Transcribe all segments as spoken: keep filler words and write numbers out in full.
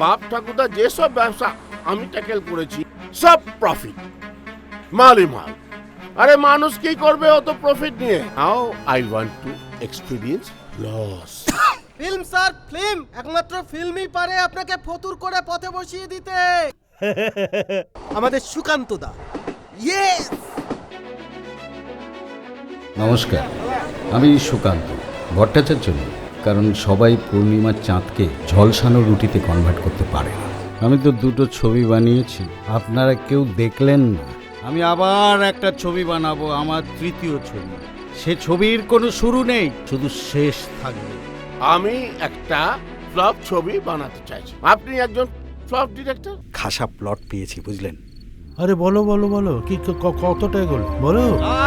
বাপ ঠাকুরদা যেসব ব্যবসা আমি ট্যাকেল করেছি সব প্রফিট, মালই মাল। আরে মানুষ কি করবে অত প্রফিট নিয়ে? Now I want to experience loss. Film sir, film. একমাত্র ফিল্মই পারে আপনাকে ফতুর করে পথে বসিয়ে দিতে। আমাদের সুকান্ত দা। ইয়েস। নমস্কার, আমি সুকান্ত ভট্টাচার্য নই, কারণ সবাই পূর্ণিমার চাঁদকে ঝলসানো রুটিতে কনভার্ট করতে পারে না। আমি তো দুটো ছবি বানিয়েছি, আপনারা কেউ দেখলেন না। আমি আবার একটা ছবি বানাবো, আমার তৃতীয় ছবি। সে ছবির কোনো শুরু নেই, শুধু শেষ থাকবে। আমি একটা ফ্লপ ছবি বানাতে চাইছি, আপনি একজন ফ্লপ ডিরেক্টর। খাসা প্লট পেয়েছি, বুঝলেন? আরে বলো বলো বলো, কি ক- ক- কতটা এগোলো বলো।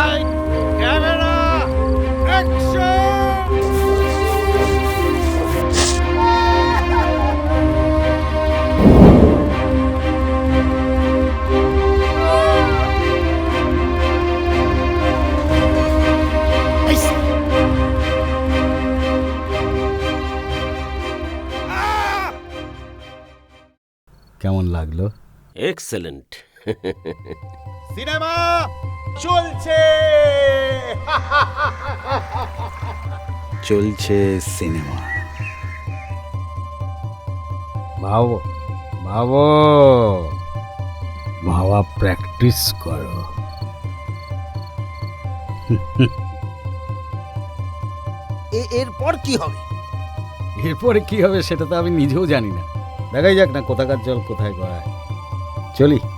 কেমন লাগলো? এক্সেলেন্ট। সিনেমা চলছে চলছে সিনেমা। ভাবো ভাবো ভাবা প্র্যাকটিস করো। এরপর কি হবে? এরপরে কি হবে সেটা তো আমি নিজেও জানি না। দেখাই যাক না কোথাকার জল কোথায় গড়ায়। চলি।